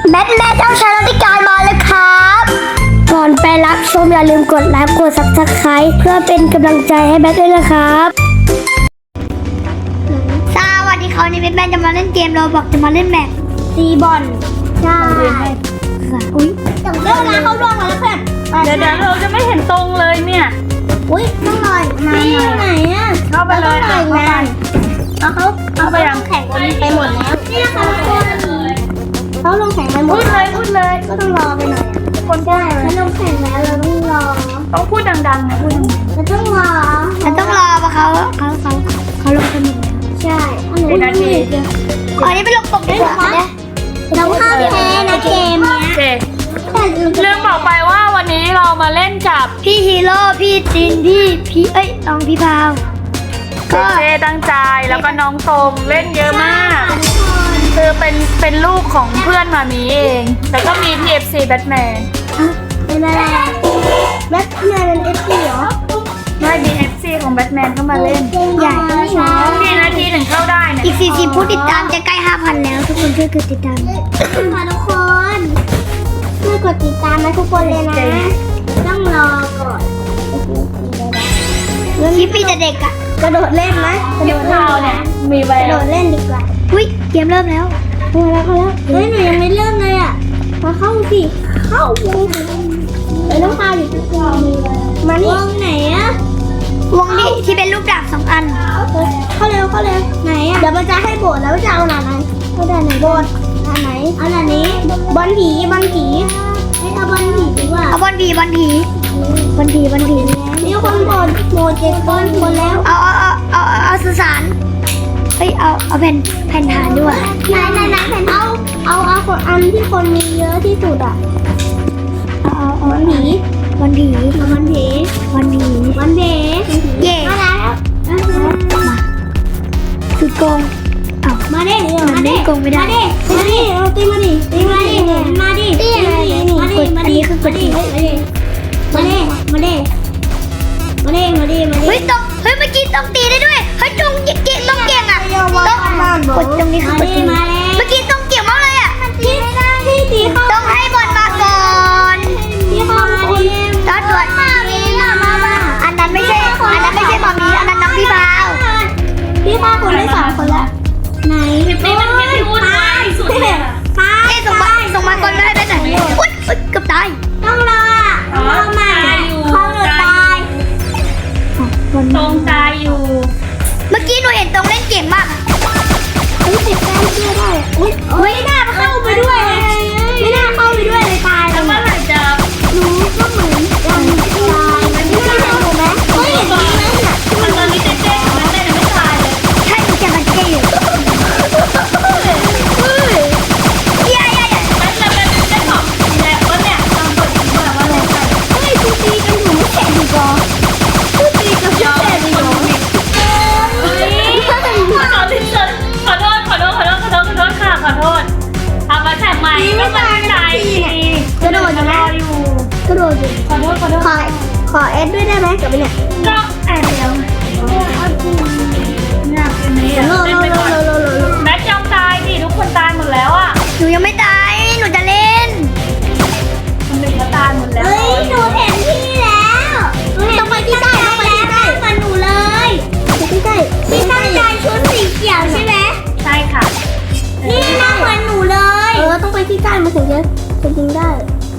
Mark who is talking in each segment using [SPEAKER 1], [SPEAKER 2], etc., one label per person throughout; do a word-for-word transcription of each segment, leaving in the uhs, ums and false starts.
[SPEAKER 1] แบทแม่เจ้าชายรัติการมาแล้วครับก่อนไปรับชมอย่าลืมกดไลค์กดซับสไครต์เพื่อเป็นกำลังใจให้แบทด้วยนะครับสวัสดีครับวันนี้แบทแม่จะมาเล่นเกมเราบอกจะมาเล่นแมปตีบอลใช่อุ้ยจังเรื่องนะเขาล่วงมาแล้วเพื่อน
[SPEAKER 2] เดี๋ยวเดี๋ยวเราจะไม่เห็นตรงเลยเนี่ย
[SPEAKER 1] อุ้ยต้องลอยมาไหนอ่ะ
[SPEAKER 2] เข้าไปเลย
[SPEAKER 1] เข้าไปเลยเอาเขาเอาไปลงแข่งกันไปหมดแล้วนี่นะคะทุกคนเขาลงแข่งไปหมด
[SPEAKER 2] พูดเลยพูดเลย
[SPEAKER 1] ก็ต้องรอไปหน่อยคนได้ไม่ลงแข่งแล้วเราต้องรอ
[SPEAKER 2] ต้องพูดดังๆนะพูด
[SPEAKER 1] เราต้องรอเราต้องรอเพราะเขาเขาเขาเขาลงกันหมดใช่
[SPEAKER 2] กี่นาที
[SPEAKER 1] อันนี้ไปลงตกดีกว่าเนี่ยเราห้ามแพ้นะเกมเนี้ย
[SPEAKER 2] ลืมบอกไปว่าวันนี้เรามาเล่นกับ
[SPEAKER 1] พี่ฮีโร่พี่จินพี่พี่เอ้ยน้องพี่พาว
[SPEAKER 2] ก็เจตั้งใจแล้วก็น้องตรงเล่นเยอะมากคือเป็นเป็นลูกของเพื่อนมามีเองแต่ก็มี พี เอฟ ซี แบทแมน
[SPEAKER 1] เป็นอะไรแบทแมนเป็น เอฟ ซี เหรอ
[SPEAKER 2] ไม่ บี เอฟ ซี ของแบทแมนเข้ามาเล่น
[SPEAKER 1] ใหญ่
[SPEAKER 2] กี่นาทีถึงเข้าได้เนี่ย
[SPEAKER 1] อีกสี่สิบผู้ติดตามจะใกล้ ห้าพัน แล้วทุกคนช่วยกดติดตามค่ะทุกคนช่วยกดติดตามนะทุกคนเลยนะต้องรอก่อนคลิปมีแต่เด็กอะกระโดดเล่นไหม
[SPEAKER 2] กระโดดเล่นเนี่ยมีไว้
[SPEAKER 1] กระโดดเล่นดีกว่าอุ้ยเกมเริ่มแล้วเริ่มแล้วแล้วเฮ้ยหนูยังไม่เริ่มเลยอะมาเข้าสิเข้าวงไปต้องพาอยู่ทุกคนมานี่วงไหนอะวงที่ที่เป็นรูปดาบสองอันเข้าเร็วเข้าเร็วไหนอะเดี๋ยวมันจะให้โบดแล้วจะเอาหนาไหนเอาด่านไหนโบดด่านไหนเอาด่านนี้บอลผีบอลผีให้เอาบอลผีดีกว่าเอาบอลผีบอลผีบอลผีบอลผีนี่คนโบดโบดเจ็ดคนคนแล้วเอาเอาเอาเอาเอาสื่อสารเฮ้ยเอาเอาแผ่นแผ่นฐานด้วยไหนไหนไหนแผ่นเอาเอาเอาคนอันที่คนมีเยอะที่สุดอ่ะเอาเอาเอาบอลผีบอลผีบอลผีบอลผีบอลผีเย่มาแล้วมาสุดโกงเอามาดิมาดิโกงไม่ได้มาดิมาดิเอาตีมาดิตีมาดิมาดิตีมาดิมาดิมาดิคือกดดิมาดิมาดิมาดิมาดิมาดิมาดิเฮ้ยต้องเฮ้ยเมื่อกี้ต้องตีได้ด้วยเฮ้ยจงเก่งต้องเก่งอ่ะต้องกดตรงนี้คือกดตีเมื่อกี้ต้องเก่งมากเลยอ่ะที่ที่ตีเขาต้องให้บอลมาก่อนที่เขาตอนตรวจอันนั้นไม่ใช่อันนั้นไม่ใช่บอลมีอันนั้นน้องพี่พาวพี่พาวคนได้สองคนละไหน
[SPEAKER 2] ไม่มันไม่พูดเลยสุดเลย
[SPEAKER 1] ตายส่งมาส่งมาก่อนได้ได้ไหนอุ๊ยอุ๊ยเกือบตายต้องรอรอมาเขาหลุดตาย
[SPEAKER 2] ตรงตายอยู่
[SPEAKER 1] เมื่อกี้หนูเห็นตรงเล่นเก่งมากอุ้ยติดแต้มเชื่อได้อุ้ยไม่น่าเข้าไปด้วยเลยไม่น่าเข้าไปด้วยเลยตาย
[SPEAKER 2] แล้วเมื่อไหร่จะ
[SPEAKER 1] รู้ก็เหมือนยังตายไม่น่าเห็นหนูไหมเฮ้ยเห็นตรงนั้นน่ะ
[SPEAKER 2] มันตอนนี้เจ๊เจ๊มันเต้นไม่ตายเลย
[SPEAKER 1] ใช่หนูจะมันเจ๊อยู่เฮ้ยใหญ่ใหญ่
[SPEAKER 2] มันจะเป็นเจ้าของแล้วก็เนี่ยตอนกดแบบว่าอะไรใส่
[SPEAKER 1] เฮ้ยกูตีกันอยู่ไม่แข็งดีกว่ากูตีกันไม่แข็งดีกว่า
[SPEAKER 2] ขอที่สุดขอโทษขอโทษขอโทษขอโทษขอโทษค่ะขอโทษทำมาแข่งใหม่ก็ไม่ได้
[SPEAKER 1] กระโดดอยู่นะกระโดดอยู่
[SPEAKER 2] ขอโทษขอโทษ
[SPEAKER 1] ขอขอเอสด้วยได้ไหมกับเนี่ย
[SPEAKER 2] ก็แอบแล้วเนี่ยเป็นนี้เล่นไปก่อนแม็กยอมตายดิทุกคนตายหมดแล้วอ่ะ
[SPEAKER 1] หนูยังไม่ตายหนูจะเล่น
[SPEAKER 2] คนหนึ่งก็ตายหมดแล้ว
[SPEAKER 1] เฮ้ยหนูเห็นพี่แล้วต้องไปที่ใต้ต้องไปที่ใต้มาหนูเลยที่ใต้ที่ใต้ใจชุดสีเขียวใช่ไหม
[SPEAKER 2] ใช่ค่ะ
[SPEAKER 1] นี่น่าเหมือนหนูเลยเออต้องไปที่ใต้มาถึงจะถึงจริงได้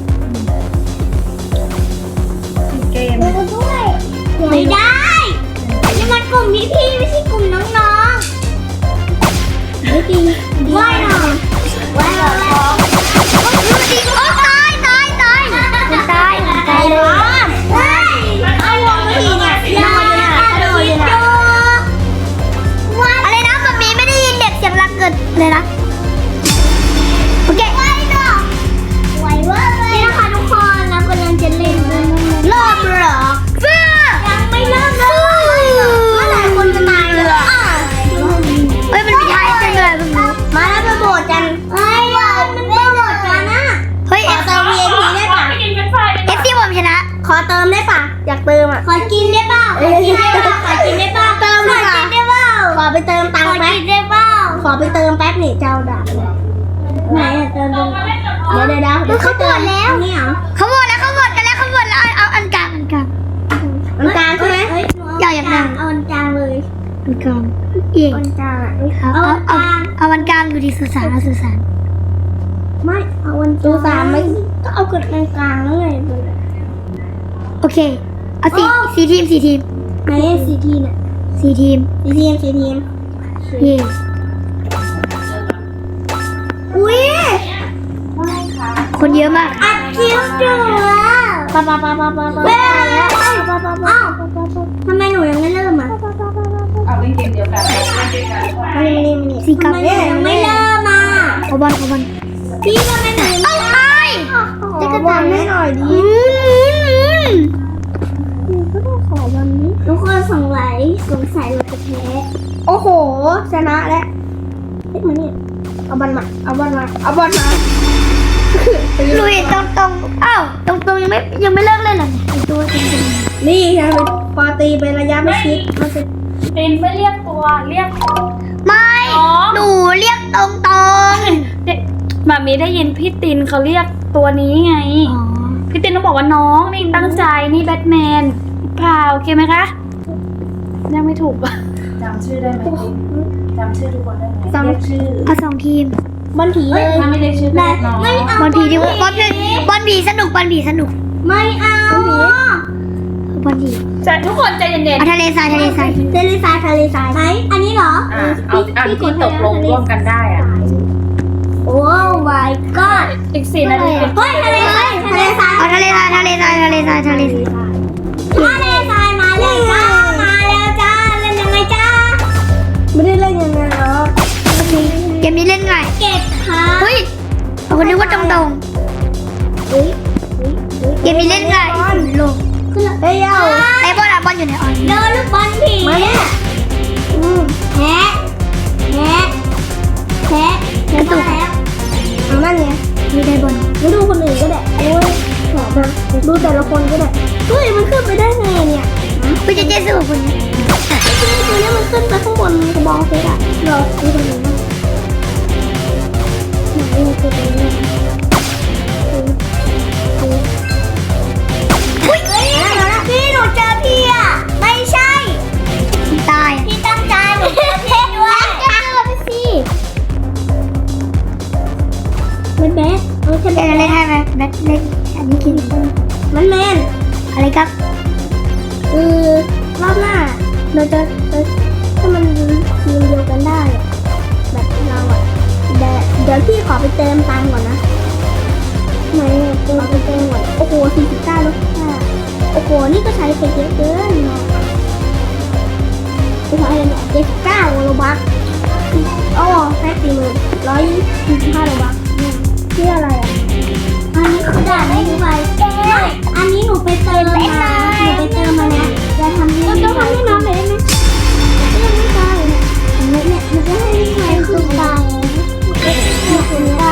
[SPEAKER 2] เกม
[SPEAKER 1] ไม่ได้นี่มันกลุ่มพี่พี่ไม่ใช่กลุ่มน้องๆไม่ดีว่ายหน่อยว่ายหน่อยดูดิโอ้ตายตายตายตายตายเลยเอาวงทีเนี่ยลอยเนี่ยกระโดดเนี่ยอะไรนะแบบนี้ไม่ได้ยินเด็กเสียงรักเกิดเลยนะโอเคว่ายหน่อยไหวเว้ยนี่นะคะทุกคนเรากำลังจะเล่นเริ่มเหรอยังไม่เริ่มเลยเมื่อไหร่คนจะตายเลยเฮ้ยมันมีท้ายจังเลยมาแล้วไปโบดกันเฮ้ยมันไม่โบดกันนะเฮ้ยขอเติม วี ไอ พี ได้ป่ะเอฟซีผมชนะขอเติมได้ป่ะอยากเติมอ่ะขอกินได้ป่ะขอกินได้ป่ะขอกินได้ป่ะเติมได้ป่ะขอไปเติมตังค์แป๊บขอไปเติมแป๊บนี่เจ้าด่าไหนอะเติมตรงเดี๋ยวเดี๋ยวเดี๋ยวเขาหมดแล้วนี่เหรอ
[SPEAKER 3] เขาหมดแล้วเขาหมดกันแล้วเขาหมดแล้วเอาเอาอันกลางอันกลาง
[SPEAKER 1] อันกลางใช่ไหม
[SPEAKER 3] อย่าอย่าดัง
[SPEAKER 1] เอาอันกลางเลย
[SPEAKER 3] อันกลางเอียง
[SPEAKER 1] อันกลางอ่ะ
[SPEAKER 3] เอา
[SPEAKER 1] เอา
[SPEAKER 3] เอา
[SPEAKER 1] อัน
[SPEAKER 3] เอา
[SPEAKER 1] กลาง
[SPEAKER 3] เอาอันกลางอยู่ที่สุสานเอาสุสาน
[SPEAKER 1] ไม่เอาอันตูสามไม่ก็เอาเกิดกลางกลางแล้วไง
[SPEAKER 3] โอเคเอาสี่
[SPEAKER 1] โอ้
[SPEAKER 3] สี่ทีมสี่ทีม
[SPEAKER 1] ไหนสี่ทีเนี่ย
[SPEAKER 3] สี่ทีม
[SPEAKER 1] สี่ทีมสี่ทีม
[SPEAKER 3] เย่
[SPEAKER 1] อุ้ย
[SPEAKER 3] คนเยอะมาก
[SPEAKER 1] อัดคิวจูปะปะปะปะปะปะอ้าวทำไมหนูยังไม่เริ่มอ่ะ
[SPEAKER 2] เอาเล่นเกมเดียวกันเล่นด้วยกัน
[SPEAKER 1] มานี่มานี่มานี่
[SPEAKER 3] สี่กับ
[SPEAKER 1] ทำไมหนูยังไม่เริ่มอ่ะ
[SPEAKER 3] เอาบอลเอาบอล
[SPEAKER 1] พี่ทำไมหนูยังไม่เริ่ม
[SPEAKER 3] จะกระตามให้หน่อยดิ
[SPEAKER 1] ก็ต้องขอวันนี้ทุกคนสงสัยสงสัยเราจะแพ้โอ้โหชนะแล้วเฮ้ยมานี่เอาบอลมาเอาบอลมาเอาบอลมา
[SPEAKER 3] ลุยตรงตรงๆอ้าวตรงตรงๆยังไม่ยังไม่เลิกเล่นเหรอเนี่ยไอตัวตรงตรง
[SPEAKER 1] นี่ค่ะพอตีไประยะไม่ชิดมันจะ
[SPEAKER 2] ตินไม่เรียกตัวเรียก
[SPEAKER 3] ๆไม่
[SPEAKER 2] อ๋อ
[SPEAKER 3] หนูเรียกตรงตรง
[SPEAKER 2] เด็กมามีได้ยินพี่ตินเขาเรียกตัวนี้ไง
[SPEAKER 3] อ๋อ
[SPEAKER 2] พี่ตินต้องบอกว่าน้องนี่ตั้งใจนี่แบทแมนเปล่าโอเคไหมคะยังไม่ถูกอ่ะ
[SPEAKER 4] จำชื่อได้ไหมติ๊กจำชื่อทุกคนได้ไหม
[SPEAKER 1] จำ
[SPEAKER 4] เรียกชื่อ
[SPEAKER 3] เอาสองทีม
[SPEAKER 1] บอลผีเลย
[SPEAKER 4] ถ้าไม่เรียกชื่อก็
[SPEAKER 1] ได้
[SPEAKER 4] เรียกน้อง
[SPEAKER 1] ไม่เอา
[SPEAKER 3] บอลผีดีกว่าบอลผีบอลผีสนุกบอลผีสนุก
[SPEAKER 1] ไม่เอา
[SPEAKER 3] บอลผี
[SPEAKER 2] จะทุกคนใจเย็น
[SPEAKER 3] เอาทะเลทรายทะเลทราย
[SPEAKER 1] ทะเลทรายทะเลทรายไหนอันนี้เหรอ
[SPEAKER 4] อ่ะเอาอันที่ตกลงร่วมกันได้อ่ะ
[SPEAKER 1] โอ้ my god
[SPEAKER 2] ๆอีกสี่นาที
[SPEAKER 1] เฮ้ยทะเลทรายทะเลทราย
[SPEAKER 3] เอาทะเลทรายทะเลทรายทะเลทรายทะเลทราย
[SPEAKER 1] ทะเลทรายมาแล้วจ้ามาแล้วจ้าเล่นยังไงจ้าไม่ได้เล่นยังไงหรอ
[SPEAKER 3] เกมนี้เล่นง่าย
[SPEAKER 1] เก็บค่ะ
[SPEAKER 3] เฮ้ยเอาคนนึกว่าตรงตรง
[SPEAKER 1] เฮ้ย
[SPEAKER 3] ๆเกมนี้เล่นง่ายลง
[SPEAKER 1] ขึ้นเฮ้ยเอา
[SPEAKER 3] ไอ้บอลอะบอลอยู่ในออน
[SPEAKER 1] โดนลูกบอลผีมาเนี่ยอืมแพ้แพ้แพ้แพ้ตัวแล้วเอานั่นไง
[SPEAKER 3] ไม่ได้บอล
[SPEAKER 1] ไม่ดูคนอื่นก็ได้โอ้ยขอมาดูแต่ละคนก็ได้เฮ้ยมันขึ้นไปได้ไงเนี่ย
[SPEAKER 3] พี่จะเจ๊สู้กับคนนี้
[SPEAKER 1] ตัวนี้มันขึ้นไปข้างบนกระบองเพชรอะรอดูตรงนี้นะไหนมันคือตรงนี้อุ้ยพี่หนูเจอพี่อะไม่ใช่
[SPEAKER 3] ตายอะ
[SPEAKER 1] พี่ตั้งใจหนูเจอพี่ด้วยเจอพี่สิมันแบดเออใช่
[SPEAKER 3] เล่นอะไร
[SPEAKER 1] แบด
[SPEAKER 3] ให้ไหมแบทเล่นอันนี้กิน
[SPEAKER 1] มันแมน
[SPEAKER 3] อะไรครับ
[SPEAKER 1] คือรอบหน้าเราจะเราถ้ามันทีมเดียวกันได้อะแบบเราอะเดี๋ยวเดี๋ยวพี่ขอไปเติมตังค์ก่อนนะไหนอะเติมไปเติมก่อนโอ้โหสี่สิบเก้าลดห้าโอ้โหนี่ก็ใช้ไปเยอะเกินเนาะโอ้โหอะไรเนี่ยเจ็ดสิบเก้าโลบัคโอ้แค่สี่หมื่นร้อยสี่สิบห้าโลบัคเนี่ยที่อะไรอะอันนี้คือด่านไม่รู้ไปไม่อันนี้หนูไปเติมมาหนูไปเติมมานะจะทำให้ต้องทำให้น้องหน่อยได้ไหมยังไม่ได้เนี่ยเนี่ยมันจะให้ใครขึ้นไปเนี่ยคุณได้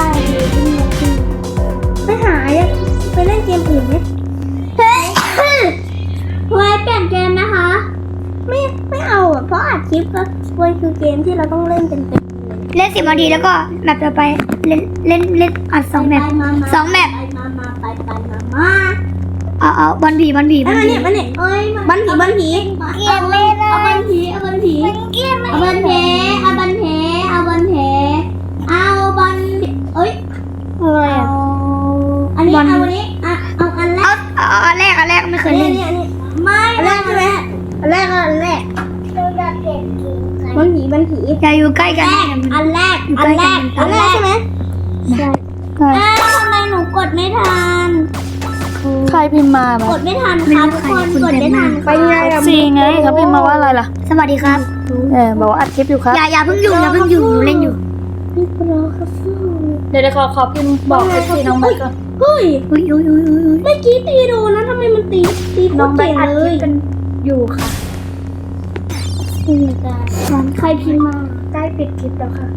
[SPEAKER 1] ไปหาไปเล่นเกมอื่นไหมเฮ้ยไว้เปลี่ยนเกมนะคะ ไม่ไม่เอาอ่ะเพราะอัดคลิปก็มันคือเกมที่เราต้องเล่นเป็นเป็น
[SPEAKER 3] เล่นสิบนาทีแล้วก็แมปต่อไปเล่นเล่นเล่นอัดสองแมปสองแมป
[SPEAKER 1] ไปมามาไปไปมามา
[SPEAKER 3] เอาเอาบอลผีบอลผีบ
[SPEAKER 1] อั
[SPEAKER 3] อนล
[SPEAKER 1] นี้
[SPEAKER 3] ผี
[SPEAKER 1] มันเนี่ยเอ้ยบันผีบันผีเอาเอาบันผีเอาบันผีเอาบันเพเอาบันเพเอาบันเพเอาบันเอ้ย
[SPEAKER 3] อะไร
[SPEAKER 1] เอา
[SPEAKER 3] อ่ะ
[SPEAKER 1] อันนี้เอาอันนี้อ่ะเอาอันแร
[SPEAKER 3] เอา
[SPEAKER 1] ก
[SPEAKER 3] เอาเอาอันแรกอันแรกไม่เคย
[SPEAKER 1] นี่
[SPEAKER 3] เล่น
[SPEAKER 1] นี่นี่ไม่อันแรกใช่ไหมอันแรกอันแรกบันผีบันผี
[SPEAKER 3] อย่าอยู่ใกล้กัน
[SPEAKER 1] อันแรกอันแรกอันแรกใช่ไหมใช่
[SPEAKER 3] ใช่
[SPEAKER 1] อ้าวทำไมหนูกดไม่ทัน
[SPEAKER 2] ใครพิมพ์มาแบบ
[SPEAKER 1] กดไม่ทันครับทุกคนกดไม่ทันไปไงอะ
[SPEAKER 2] สี่ไงเขาพิมพ์มาว่าอะไรล่ะ
[SPEAKER 3] สวัสดีครับ
[SPEAKER 2] เออบอกว่าอัดคลิปอยู่ครับ
[SPEAKER 3] อย่าอย่าเพิ่งอยู่อย่าเพิ่งอยู่หนูเล่นอยู่
[SPEAKER 1] พี่โปรครับฟู
[SPEAKER 2] เดี๋ยวเดี๋ยวขอขอพิมพ์บอกเอฟซีน้องแบทก่อน
[SPEAKER 1] เฮ้ย
[SPEAKER 3] อุ้ยอุ้ยอุ้ยอุ้ยอุ้ย
[SPEAKER 1] เมื่อกี้ตีโดนนะทำไมมันตีตีโค
[SPEAKER 2] น้อ
[SPEAKER 1] ต
[SPEAKER 2] ง
[SPEAKER 1] ร
[SPEAKER 2] แบ
[SPEAKER 1] เก่
[SPEAKER 2] ท
[SPEAKER 1] ง
[SPEAKER 2] อัด
[SPEAKER 1] เล
[SPEAKER 2] คลิป
[SPEAKER 1] ย
[SPEAKER 2] กันอยู่ค่ะ
[SPEAKER 1] อืมแต่ใครพิมพ์มา
[SPEAKER 2] ใกล้ปิดคลิปแล้วค่ะ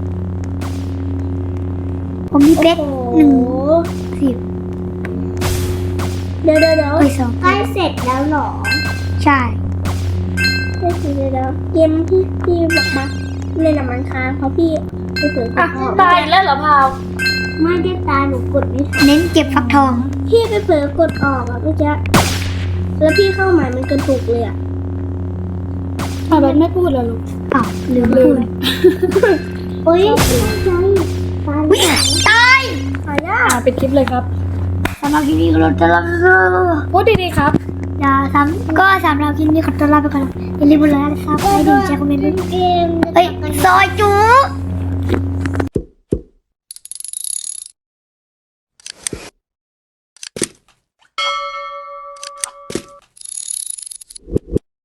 [SPEAKER 3] ผมมีเป๊ก
[SPEAKER 1] โอ้โ
[SPEAKER 3] หนึ่ง
[SPEAKER 1] ห
[SPEAKER 3] สิบ
[SPEAKER 1] เดี๋ยวเดี๋ยวเดี๋ยว
[SPEAKER 3] เอ้ยสอง
[SPEAKER 1] ใกล้เสร็จแล้วเหรอ
[SPEAKER 3] ใช่
[SPEAKER 1] ใกล้เสร็จแล้วเกมที่พี่บอกมาเล่นน้ำมันค้างเพราะพี่พี่เผลอก
[SPEAKER 2] อ่ะ
[SPEAKER 1] ดออก
[SPEAKER 2] ตายอีกแล้วเหรอพาว
[SPEAKER 1] ไม่ได้ตายหนูกดไม่ทัน
[SPEAKER 3] เน้นเก็บฟักทอง
[SPEAKER 1] พี่ไปเผลอกดออกอ่ะพี่จ๊ะแล้วพี่เข้าใหม่มันกระตุกเลยอ่ะ
[SPEAKER 2] พาวแบทไม่พูดแล้วลูก
[SPEAKER 3] อ้าวลืมพูด
[SPEAKER 1] โอ๊ยใช่ตาย
[SPEAKER 3] วิ่งตาย
[SPEAKER 1] ตายแล้ว
[SPEAKER 2] อ่าปิดคลิปเลยครับ
[SPEAKER 3] สำหรับคลิปนี้ก็เราจะลา
[SPEAKER 2] พูดดีๆครับ
[SPEAKER 3] อย่าทำก็สำหรับคลิปนี้ขอตัวลาไปก่อนอย่าลืมกดไลค์กดซับสไครต์ดีแชร์คอมเมนต์ด้วย
[SPEAKER 1] เกม
[SPEAKER 3] เฮ้ยซอยจู